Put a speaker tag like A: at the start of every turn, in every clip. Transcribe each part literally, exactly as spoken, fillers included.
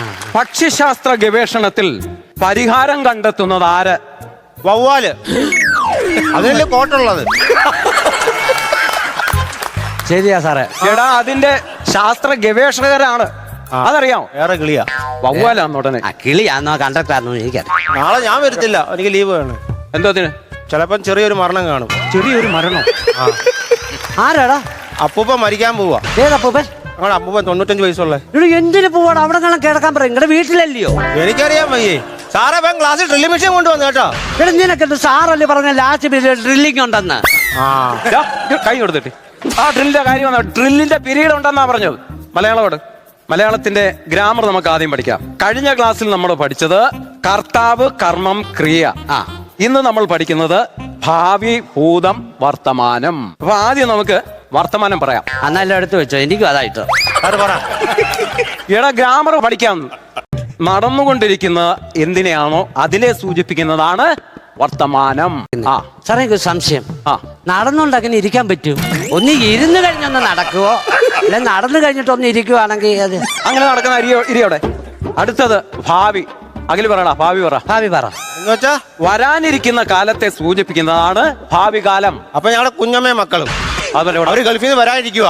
A: പക്ഷിശാസ്ത്ര ഗവേഷണത്തിൽ പരിഹാരം കണ്ടെത്തുന്നത് ആര്?
B: വവ്വാല്. അതിനല്ലേ കോട്ടുള്ളത്.
C: ശരിയാ സാറേ.
A: എടാ അതിന്റെ ശാസ്ത്ര ഗവേഷകരാണ്, അതറിയാമോ?
B: വേറെ കിളിയാ,
A: വവ്വാലാന്ന് ഉടനെ.
C: കിളിയാന്നോ കണ്ടക്ടറാന്നോ എനിക്കറിയാം.
B: നാളെ ഞാൻ വരത്തില്ല, എനിക്ക് ലീവ് വേണം.
A: എന്തോത്തിന്?
B: ചിലപ്പം ചെറിയൊരു മരണം കാണും.
A: ചെറിയൊരു മരണം?
C: ആരാടാ?
B: അപ്പൂപ്പ മരിക്കാൻ പോവാ.
C: ഏതപ്പൂപ്പൻ?
B: ഞങ്ങളുടെ അപ്പൂപ്പൻ തൊണ്ണൂറ്റഞ്ച് വയസ്സുള്ള.
C: ഇവിടെ എന്തിനു പോവാണ്? അവിടെ കാണാൻ കിടക്കാൻ പറയും. നിങ്ങളുടെ വീട്ടിലല്ലയോ?
B: എനിക്കറിയാൻ വയ്യേ സാറേ. ഇപ്പം ക്ലാസ്സിൽ ഡ്രില്ലിംഗ് മെഷീൻ കൊണ്ടുവന്നു കേട്ടോ.
C: ഇവിടെ നിനക്കെന്ത് സാറല്ലേ പറഞ്ഞ ലാസ്റ്റ് പീരീഡ് ഡ്രില്ലിംഗ് ഉണ്ടെന്ന്?
A: കൈ കൊടുത്തിട്ട് ആ ഡ്രില്ലിന്റെ കാര്യം വന്ന ഡ്രില്ലിന്റെ പീരീഡ് ഉണ്ടെന്നാ പറഞ്ഞത്. മലയാളോട് മലയാളത്തിന്റെ ഗ്രാമർ നമുക്ക് ആദ്യം പഠിക്കാം. കഴിഞ്ഞ ക്ലാസ്സിൽ നമ്മൾ പഠിച്ചത് കർത്താവ്, കർമ്മം, ക്രിയ. ആ ഇന്ന് നമ്മൾ പഠിക്കുന്നത് ഭാവി, ഭൂതം, വർത്തമാനം. അപ്പൊ ആദ്യം നമുക്ക് വർത്തമാനം പറയാം.
C: അന്നെല്ലാം എടുത്തു വെച്ചോ, എനിക്കും അതായിട്ട്.
A: എടാ ഗ്രാമർ പഠിക്കാം. നടന്നുകൊണ്ടിരിക്കുന്ന എന്തിനെയാണോ അതിനെ സൂചിപ്പിക്കുന്നതാണ് വർത്തമാനം. ആ
C: സാറേ എനിക്ക് സംശയം.
A: ആ
C: നടന്നുകൊണ്ട് അങ്ങനെ ഇരിക്കാൻ പറ്റൂ? ഒന്ന് ഇരുന്ന് കഴിഞ്ഞൊന്ന് നടക്കുവോ, അല്ലെ നടന്നു കഴിഞ്ഞിട്ട് ഒന്ന് ഇരിക്കുവാണെങ്കിൽ അത്
A: അങ്ങനെ നടക്കുന്ന അരിയോ ഇരിയോടെ. അടുത്തത് ഭാവി. അഖിൽ പറയടാ, ഭാവി പറ.
C: ഭാവി പറ.
B: എന്നുവെച്ചാ
A: വരാനിരിക്കുന്ന കാലത്തെ സൂചിപ്പിക്കുന്നതാണ് ഭാവി കാലം.
B: അപ്പൊ ഞങ്ങളുടെ കുഞ്ഞമ്മയും മക്കളും അവര് ഗൾഫിൽ നിന്ന് വരാനിരിക്കുക.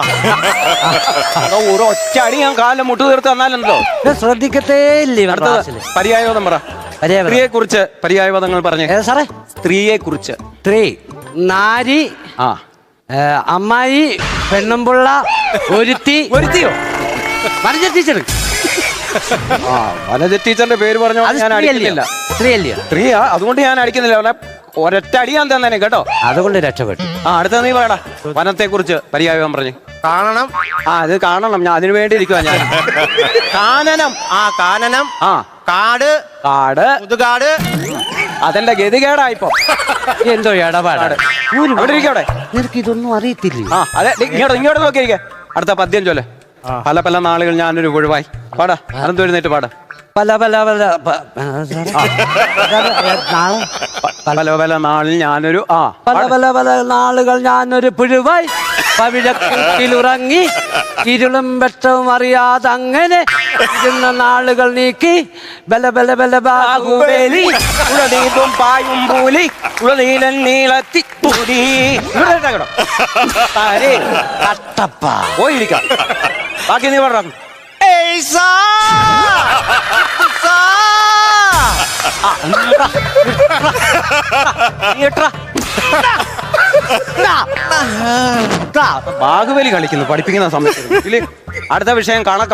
A: ഒരു ഒറ്റ അടി ഞാൻ കാലം മുട്ടു തീർത്ത് തന്നാലുണ്ടോ?
C: ശ്രദ്ധിക്കത്തേ ഇല്ലേ?
A: പര്യായപദം പറ. സ്ത്രീയെ കുറിച്ച് പര്യായപദങ്ങൾ പറഞ്ഞേ
C: സാറേ.
A: സ്ത്രീയെ കുറിച്ച്.
C: സ്ത്രീ, നാരി,
A: ആ
C: അമ്മായി, പെണ്ണുമ്പുള്ള, ഒരുത്തി.
A: ഒരുത്തിയോ?
C: വനജ ടീച്ചർ.
A: ആ വനജ ടീച്ചറിന്റെ പേര് പറഞ്ഞോ ഞാൻ അടിക്കുന്നില്ല.
C: സ്ത്രീയല്ലയോ?
A: സ്ത്രീയാ, അതുകൊണ്ട് ഞാൻ അടിക്കുന്നില്ല. അവനെ ഒരൊറ്റ അടിയാൻ തന്നെ കേട്ടോ.
C: അതുകൊണ്ട് രക്ഷപ്പെട്ടു.
A: ആ അടുത്ത നീ പറയടാ. വനത്തെ കുറിച്ച് പര്യായം പറഞ്ഞു.
B: കാണണം.
A: ആ അത് കാണണം, ഞാൻ അതിനു വേണ്ടി ഇരിക്കുവാ ഞാൻ. കാനനം.
B: ആ കാനനം.
A: ആ കാട്. കാട്
B: മുതുകാട്.
A: അതെന്റെ ഗതികേടായിപ്പോ.
C: എന്തോ ഇടപാടാണ്.
A: അവിടെ ഇരിക്കവിടെ.
C: നിനക്ക് ഇതൊന്നും അറിയത്തില്ല.
A: ആ അതെ, ഇങ്ങോട്ട് ഇങ്ങോട്ട് നോക്കിയിരിക്കെ. അടുത്ത പദ്യം ചൊല്ലെ. പല പല നാളുകൾ ഞാനൊരു ഒഴിവായി. പാടാ, അനന്ത് എഴുന്നേറ്റ് പാടാ.
C: പല പല പല
A: പല പല നാളിൽ ഞാനൊരു ആ
C: പല പല പല നാളുകൾ ഞാനൊരു പുഴുവായി പവിഴക്കുട്ടിലുറങ്ങി ഇരുളും വെട്ടവും അറിയാതെ അങ്ങനെ ഇരുന്ന നാളുകൾ നീക്കി ബല ബല ബല ബാഹുബലി
A: ഉളനീതും പായും പൂലി ഉളനീലൻ നീളത്തി പൂരി.
C: കട്ടപ്പ
A: പോയിരിക്കാം. ബാക്കി നീ പറഞ്ഞു. ബാഹുബലി കളിക്കുന്നു പഠിപ്പിക്കുന്ന സമയത്ത്. അടുത്ത വിഷയം കണക്കാ.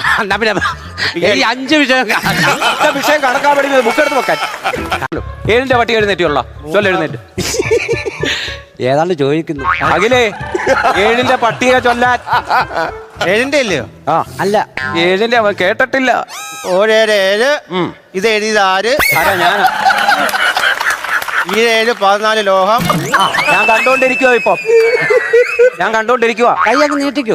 C: ഈ അഞ്ച് വിഷയം
A: അടുത്ത വിഷയം കണക്കാ പഠിക്കുന്നത്. ബുക്ക് എടുത്ത് വെക്കാൻ. ഏഴിന്റെ പട്ടി എഴുന്നേറ്റുള്ള ചൊല്ല എഴുന്നേറ്റ്.
C: ഏതാണ്ട് ചോദിക്കുന്നു.
A: അഖിലേ ഏഴിന്റെ പട്ടിക ചൊല്ലാൻ.
B: ഏഴിന്റെ ഇല്ലയോ?
A: ആ
C: അല്ല,
A: ഏഴിന്റെ അവൻ കേട്ടിട്ടില്ല.
B: ഓരേഴ് ഏഴ്. ഇത് എഴുതിയത് ആര്?
A: ആരാ? ഞാനാ.
B: ഈ ഏഴ് പതിനാല് ലോഹം.
A: ഞാൻ കണ്ടോണ്ടിരിക്കുവോ ഇപ്പൊ? ഞാൻ കണ്ടോണ്ടിരിക്കുവാ.
C: കൈ അങ്ങ് നീട്ടിക്കോ.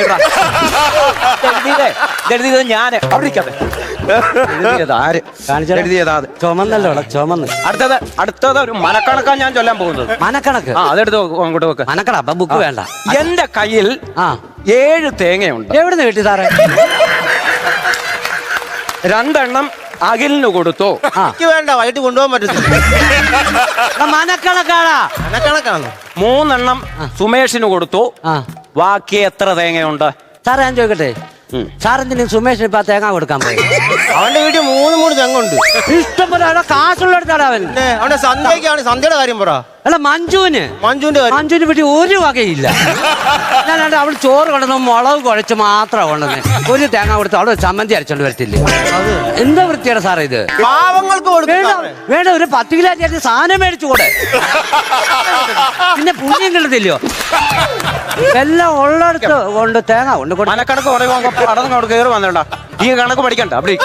A: എഴുതിയത് ഞാന്. അവിടെ ഇരിക്കാതെ. ആര് എഴുതിയതാ?
C: ചുമന്നല്ലോ ചുമന്ന്.
A: അടുത്തത് അടുത്തത് ഒരു മനക്കണക്കാണ് ഞാൻ ചൊല്ലാൻ പോകുന്നത്.
C: മനക്കണക്ക്?
A: ആ അതെടുത്ത് അങ്ങോട്ട് വെക്ക്.
C: മനക്കണ. അപ്പൊ ബുക്ക് വേണ്ട.
A: എന്റെ കയ്യിൽ
C: ആ
A: ഏഴ് തേങ്ങയുണ്ട്.
C: എവിടുന്ന് കിട്ടി സാറേ?
A: രണ്ടെണ്ണം അഖിലിന് കൊടുത്തു.
B: എനിക്ക് വേണ്ട, വൈകിട്ട് കൊണ്ടുപോകാൻ പറ്റത്തില്ല.
C: മനക്കണക്കാടാ.
B: മനക്കണക്കാണ്.
A: മൂന്നെണ്ണം സുമേഷിന് കൊടുത്തു. ബാക്കി എത്ര തേങ്ങയുണ്ട്
C: സാറേ? ഞാൻ ചോദിക്കട്ടെ, സാറെന്തിനും സുമേഷിന് ഇപ്പൊ തേങ്ങ കൊടുക്കാൻ പോയി?
B: അവന്റെ വീട്ടിൽ മൂന്ന് മൂന്ന് തെങ്ങുണ്ട്.
C: ഇഷ്ടം പോലെ കാശുള്ളടുത്താണ് അവൻ.
B: അവന്റെ സന്ധ്യക്കാണ്. സന്ധ്യയുടെ കാര്യം പറ.
C: അല്ല മഞ്ജുവിന്
B: മഞ്ജുവിന്റെ
C: മഞ്ജുവിന് വീട്ടിൽ ഒരു വകയില്ല. ഞാൻ അവൾ ചോറ് കൊണ്ടുവന്ന് മുളക് കുഴച്ച് മാത്രമാണ് കൊണ്ടുവന്നത്. ഒരു തേങ്ങ കൊടുത്ത് അവിടെ ചമ്മന്തി അരച്ചോണ്ട് വരത്തില്ലേ? എന്താ വൃത്തിയാണ് സാറേ ഇത്?
B: പാവങ്ങൾക്ക്
C: വേണ്ട, ഒരു പത്ത് കിലോ ചേർത്ത് സാധനം മേടിച്ചു കൂടെ. പിന്നെ പുണ്യം കിട്ടത്തില്ലയോ? എല്ലാം ഉള്ളടത്ത് കൊണ്ട് തേങ്ങ കൊണ്ട്
A: മനക്കണക്ക് പറയുമ്പോ കയറി വന്നോണ്ടാ. ഈ കണക്ക് പഠിക്കണ്ട. അവിടെ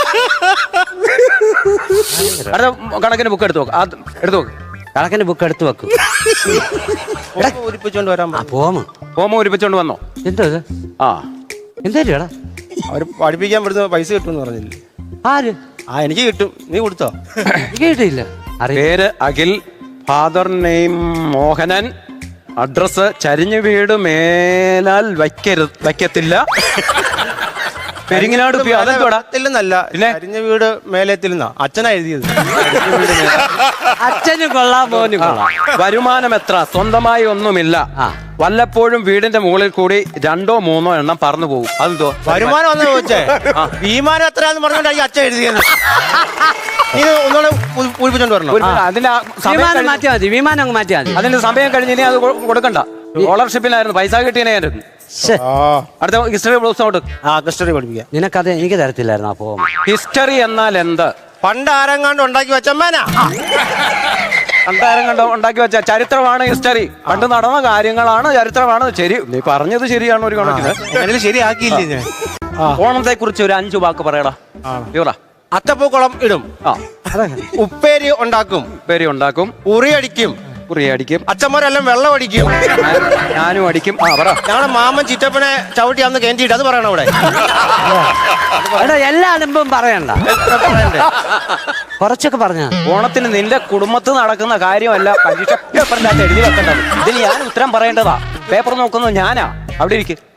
A: അടുത്ത കണക്കിന് ബുക്ക് എടുത്തു നോക്ക്. എടുത്തു നോക്ക്.
C: കണക്കിന് ബുക്ക് എടുത്തു വെക്കും.
B: പൂരിപ്പിച്ചോണ്ട് വരാൻ.
C: പോമോ
A: പോമോ ഉരിപ്പിച്ചോണ്ട് വന്നോ?
C: എന്തോ ഇത്? ആ എന്തേടാ?
B: അവര് പഠിപ്പിക്കാൻ പറ്റുന്ന പൈസ കിട്ടുമെന്ന് പറഞ്ഞില്ലേ?
C: ആര്?
B: ആ എനിക്ക് കിട്ടും. നീ കൊടുത്തോ?
C: കിട്ടിയില്ല.
A: പേര് Akhil. Father name Mohanan. Address ചരിഞ്ഞു വീട് മേലാൽ വയ്ക്കരുത് വയ്ക്കത്തില്ല. പെരിങ്ങനാട് പി അതെന്തോടാ
B: ത്തില്ലെന്നല്ല
A: പിന്നെ?
B: കരിഞ്ഞ വീട് മേലെത്തില്ലെന്നാ അച്ഛനാ എഴുതിയത്.
C: അച്ഛനും കൊള്ളാം മോനും കൊള്ളാം.
A: വരുമാനം എത്ര? സ്വന്തമായി ഒന്നുമില്ല.
C: ആ.
A: വല്ലപ്പോഴും വീടിന്റെ മുകളിൽ കൂടി രണ്ടോ മൂന്നോ എണ്ണം പറന്നു പോകും. അതെന്തോ
B: വരുമാനം ഒന്ന് ചോദിച്ചേ. വിമാനം എത്രയാന്ന് പറഞ്ഞോണ്ടാ ഈ അച്ഛൻ എഴുതിയത്. നീ ഇത് ഒന്നുകൂടെ പൂ- പൂരിപ്പിച്ചോണ്ട് വരണം.
A: ഒരു മിനിറ്റ്, അതിന്റെ ആ സമയം
C: വിമാനം
A: കഴിഞ്ഞ്-
C: മാറ്റിയാ മതി വിമാനം അങ്ങ് മാറ്റിയാ മതി.
A: അതിന്റെ സമയം കഴിഞ്ഞ് ഇനി അത് കൊ- കൊടുക്കണ്ട. സ്കോളർഷിപ്പിനായിരുന്നു, പൈസ കിട്ടിയനായിരുന്നു.
C: ശ്ശെ,
B: ആ
A: അടുത്ത ഹിസ്റ്ററി ബ്ലൗസ് ഔട്ട്.
B: ആ ഹിസ്റ്ററി പഠിപ്പിക്കാം.
C: നിനക്കത് എനിക്ക് തരത്തില്ലായിരുന്നു അപ്പോ.
A: ഹിസ്റ്ററി എന്നാൽ എന്ത്?
B: പണ്ട് ആരെങ്ങാണ്ട് ഉണ്ടാക്കി വെച്ചമ്മേനാ.
A: രണ്ടായിരം കണ്ടോ ഉണ്ടാക്കി വെച്ച ചരിത്രമാണ് ഹിസ്റ്ററി. പണ്ട് നടന്ന കാര്യങ്ങളാണ് ചരിത്രമാണ്. ശരി, നീ പറഞ്ഞത് ശരിയാണ് ഒരു കണക്കിന്.
B: അങ്ങനെ ശരിയാക്കിയില്ലേ ഞാൻ.
A: ഓണത്തെ കുറിച്ച് ഒരു അഞ്ചു വാക്ക് പറയടാ. ഇവറാ
B: അത്തപ്പൂക്കുളം ഇടും,
A: ആ
B: ഉപ്പേരി ഉണ്ടാക്കും,
A: പേര് ഉണ്ടാക്കും,
B: ഉറിയടിക്കും,
A: കുറിയടിക്കും,
B: അച്ഛന്മാരെല്ലാം വെള്ളം അടിക്കും.
A: ഞാനും അടിക്കും. ആ പറ.
B: ഞങ്ങളുടെ മാമൻ ചിറ്റപ്പനെ ചവിട്ടി അന്ന് കേന്ദ്രീട്ട് അത് പറയണം അവിടെ.
C: എടാ എല്ലാ അലമ്പും പറയണ്ട, കുറച്ചൊക്കെ പറഞ്ഞ.
A: ഓണത്തിന് നിന്റെ കുടുംബത്തിൽ നടക്കുന്ന കാര്യമല്ല പരീക്ഷ പേപ്പറിന്റെ അകത്ത് എഴുതി വെക്കേണ്ടത്. ഇതിന് ഞാൻ ഉത്തരം പറയേണ്ടതാ. പേപ്പർ നോക്കുന്നത് ഞാനാ. അവിടെ ഇരിക്കും.